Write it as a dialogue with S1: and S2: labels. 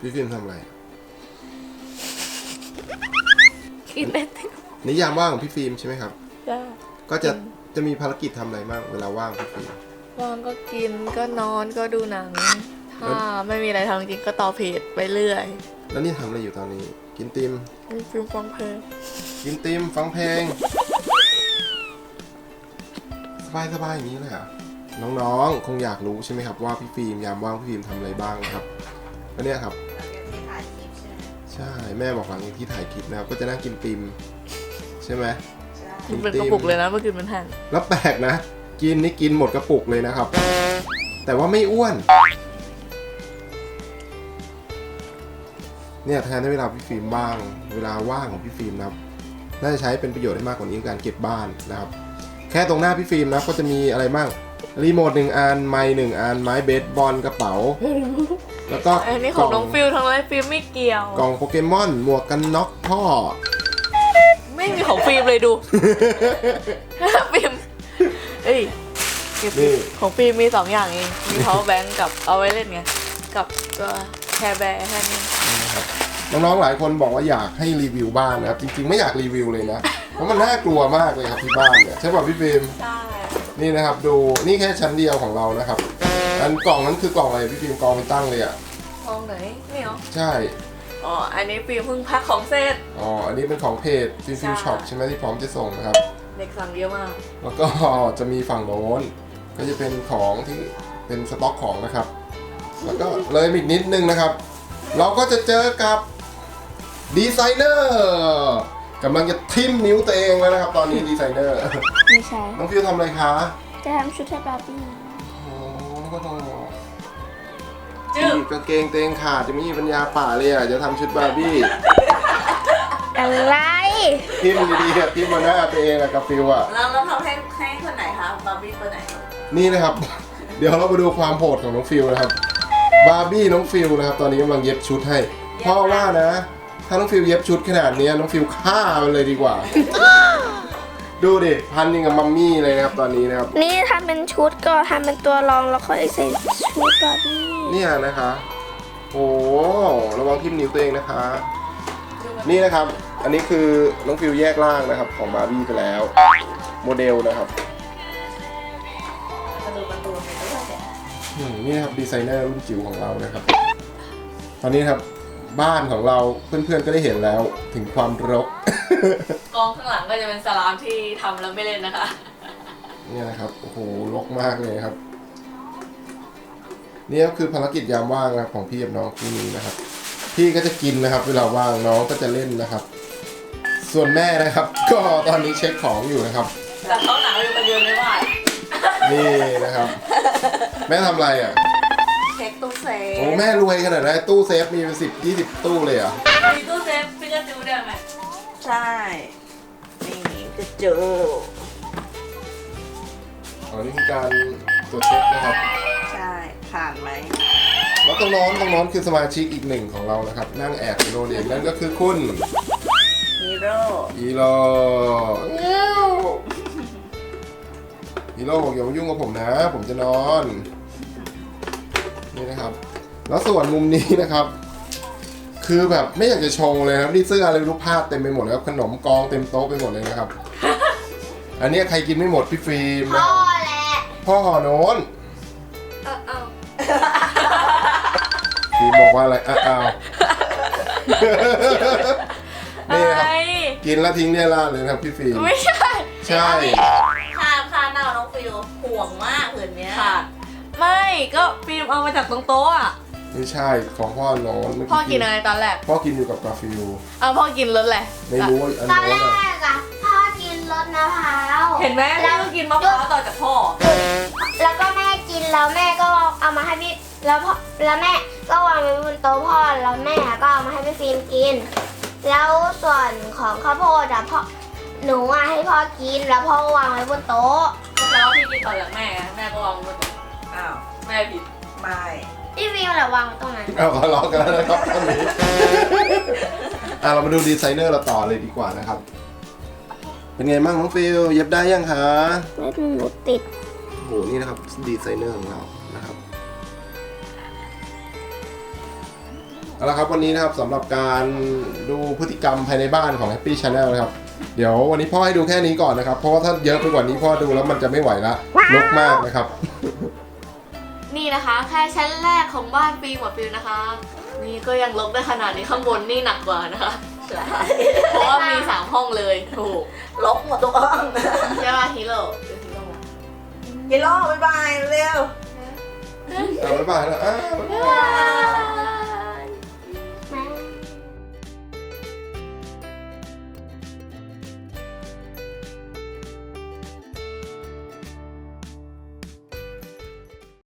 S1: พี่ฟิล์มทำอะไร
S2: กินไอติม
S1: นิยามว่างของพี่ฟิล์มใช่ไหมครับ
S2: จ้า
S1: ก็จะมีภารกิจทำอะไรบ้างเวลาว่างพี่ฟิล์ม
S2: ว่างก็กินก็นอนก็ดูหนังถ้าไม่มีอะไรทำจริงก็ต่อเพจไปเรื่อย
S1: แล้วนี่ทำอะไรอยู่ตอนนี้ กินติม
S2: มีฟิล์มฟังเพลง
S1: กินติมฟังเพลงสบายอย่างนี้เลยเหรอน้องๆคงอยากรู้ใช่ไหมครับว่าพี่ฟิล์มยามว่างพี่ฟิล์มทำอะไรบ้างนะครับก็เนี่ยครับใช่แม่บอกหลังจากที่ถ่ายคลิปนะครับก็จะนั่งกินติมใช่ไหม
S2: มันเป็นกระปุกเลยนะเมื่อคืนมันหั่น
S1: แล้วแปลกนะกินนี่กินหมดกระปุกเลยนะครับ แต่ว่าไม่อ้วนเนี่ยแทนที่เวลาพี่ฟิล์มบ้างเวลาว่างของพี่ฟิล์มนะครับน่าจะใช้เป็นประโยชน์ได้มากกว่านี้ในการเก็บบ้านนะครับแค่ตรงหน้าพี่ฟิล์มนะก็จะมีอะไรบ้างรีโมท1 อันไมค์1 อันไม้เบสบอลกระเป๋าแล้วก็
S2: อันนี้ของน้องฟิลทั้งนั้นฟิลไม่เกี่ยว
S1: กล่องโปเกมอนหมวกกันน็อกพ่อ
S2: ไม่มีของฟิล์มเลยดู ฟิล์มเอ้ยเก็บ
S1: นี่
S2: ของฟิล์มมี2 อย่างเองมี power bank กับเอาไว้เล่นไงกับตัวแคร์แบร์แค่นี้
S1: นะครับน้องๆหลายคนบอกว่าอยากให้รีวิวบ้านนะครับจริงๆไม่อยากรีวิวเลยนะเพราะมันน่ากลัวมากเลยครับที่บ้านเนี่ยใช่ป่ะพี่ฟิล์ม
S2: ใช่
S1: นี่นะครับดูนี่แค่ชั้นเดียวของเรานะครับอันกล่องนั้นคือกล่องอะไรพี่ฟิล์มกองเป็นตั้งเลยอ่ะ
S2: มองไหนนี่เหรอ
S1: ใช่
S2: อ๋ออันนี้ฟิล์มเพิ่งพักของเสร็จ
S1: อ๋ออันนี้เป็นของเพจฟิล์ม
S2: ใช่
S1: ช็อปใช่ไหมที่พร้อมจะส่งนะครับ
S2: เด็กสั่งเยอะมาก
S1: แล้วก็จะมีฝั่งโน้นก็จะเป็นของที่เป็นสต็อกของนะครับ แล้วก็เลยอีกนิดนึงนะครับ เราก็จะเจอกับดีไซเนอร์กำลังจะทิ่มนิ้วตัวเองแล้วนะครับ ตอนนี้ดีไซเนอร์
S3: ไม่ใช่
S1: น้องฟิวทำอะไรคะ
S3: จะทำชุดให้บาร์บี้
S1: โอ้ก็ต้อง
S2: จึ๊บ
S1: กางเกงเตงขาดจะไม่มีปัญญาป่าเลยอ่ะจะทำชุดบาร์บี้
S3: อะไร
S1: ทิ่มดีๆอะทิ่มมาหน้าตัวเองอะกับฟิวอะ
S2: เราทำให้คนไหนคะบาร์บี้คนไหน
S1: นี่นะครับ เดี๋ยวเรามาดูความโหดของน้องฟิวนะครับบาร์บี้น้องฟิวนะครับตอนนี้กำลังเย็บชุดให้เพราะว่านะ ถ้าน้องฟิวเย็บชุดขนาดนี้น้องฟิวฆ่ามันเลยดีกว่า ดูดิพันยังกับมัมมี่เลยนะครับตอนนี้นะครับ
S3: นี่ทำเป็นชุดก็ทำเป็นตัวรองแล้วค่อยใส่ชุดบาร์บี้
S1: เนี่ยนะคะโอ้ระวังทิ่มนิ้วตัวเองนะคะ นี่นะครับ อันนี้คือน้องฟิวแยกล่างนะครับของบาร์บี้ไปแล้วโมเดลนะครับนี่ครับดีไซเนอร์รุ่นจิ๋วของเรานะครับ ตอนนี้ครับบ้านของเราเพื่อนๆก็ได้เห็นแล้วถึงความรก
S2: กองข้างหลังก็จะเป็นสลามที่ทำแล้วไม่เล่นนะคะ
S1: เนี่ยนะครับโอ้โหรกมากเลยครับนี่ก็คือภารกิจยามว่างนะครับของพี่กับน้องคู่นี้นะครับ พี่ก็จะกินนะครับ เวลาว่างน้องก็จะเล่นนะครับ ส่วนแม่นะครับ ก็ตอนนี้เช็คของอยู่นะครับ
S2: แต่เขาหนังอยู่คนเดียวไม่ว่า
S1: นี่นะครับ แม่ทำอะไรอ่ะ
S2: เช็คตู้เซฟ
S1: โอ้แม่รวยขนาดนั้นตู้เซฟมีเป็น10-20 ตู้เลยเหรอ่ะ
S2: มีตู้เซฟพิกาจูด้วยไหม
S4: ใช่ นี่จะเจอ
S1: อ๋อนี่คือการตรวจเช็คนะครับ
S4: ใช่ ผ่านไหม
S1: แล้วตรงโน้นคือสมาชิกอีกหนึ่งของเรานะครับ นั่งแอบอยู่โรงเรียนนั่นก็คือคุณ
S4: ฮีโร่
S1: ฮีโร่บอกอย่ามายุ่งกับผมนะ ผมจะนอน นี่นะครับ แล้วส่วนมุมนี้นะครับ คือแบบไม่อยากจะชงเลยครับนี่เสื้ออะไรรูปภาพเต็มไปหมดเลยครับขนมกองเต็มโต๊ะไปหมดเลยนะครับ อันนี้ใครกินไม่หมดพี่ฟิล์มนะ
S3: พ่
S1: ค
S3: อ
S1: รับ
S3: แหละ
S1: พ่อห่อโน้น
S2: เอา
S1: ฟิล์มบอกว่าอะไรอ้าว นี่
S2: อะ
S1: ค
S2: ไร
S1: รับกินแล้วทิ้งเนี่ยล่าดเลยนะครับพี่ฟิล์ม
S2: ไม่ใช่
S1: ใช่
S4: ค่าหน้าน้องฟิวห่วงมากผืนเนี้ย
S2: ขาดไม่ก็ฟิล์มเอามาจากตรงโต๊ะอ่ะ
S1: ไม่ใช่ของพ่อโน้นเมื่
S2: พ่อกินอะไรตอนแรก
S1: พ่อกินอยู่กับกาฟิล
S2: พ่อกินรสอะไร
S1: ไม่รู้ว่าอัน
S3: ตอน
S1: โน้
S3: แร
S1: นอะ
S3: กอะพ่อกินรสมะพร้าว
S2: เห็นไหมแม่ก็กินมะพร้าวต่อจากพ่อ
S3: แล้วก็แม่กินแล้วแม่ก็เอามาให้พี่แล้วพ่อแล้วแม่ก็วางไว้บนโต๊ะพ่อแล้วแม่ก็เอามาให้พี่ฟิล์มกิน แล้วส่วนของข้าวโพดอะพ่อหนูอะให้พ่อกินแล้วพ่อก็วางไว้บนโต๊ะ
S2: แล้วพี่กินต่อจากแม่ไงแม่ก็วางไว้ตรง
S4: อ้าว
S2: แม่ผิด
S4: ไม่
S3: พี่ฟิล์มแหละวางไว้ตรงนั้น
S1: เอาทะเลาะกันแล้วนะครับตอนนี้ เรามาดูดีไซเนอร์เราต่อเลยดีกว่านะครับ เป็นไงบ้างน้องฟิลเย็บได้ยังคะ
S3: เม็ดหนูติด
S1: โอ้โหนี่นะครับดีไซเนอร์ของเรานะครับเอาละครับวันนี้นะครับสำหรับการดูพฤติกรรมภายในบ้านของ Happy Channel นะครับเดี๋ยววันนี้พ่อให้ดูแค่นี้ก่อนนะครับเพราะว่าถ้าเยอะไปกว่านี้พ่อดูแล้วมันจะไม่ไหวละรกมากนะครับ
S2: นี่นะคะแค่ชั้นแรกของบ้านฟิล์มกับฟิลนะคะ นี่ก็ยังลบได้ขนาดนี้ข้างบนนี่หนักกว่านะคะ
S4: ใช่
S2: เพราะว่ามี3ห้องเลยถูก
S4: ลบหมดทุกห้อง
S2: ใช่ป่ะฮีโร่หรือฮีโร่
S4: กิโลบ๊ายบายเร็ว
S1: บ๊ายบายนะอ้าว
S2: บ๊ายบาย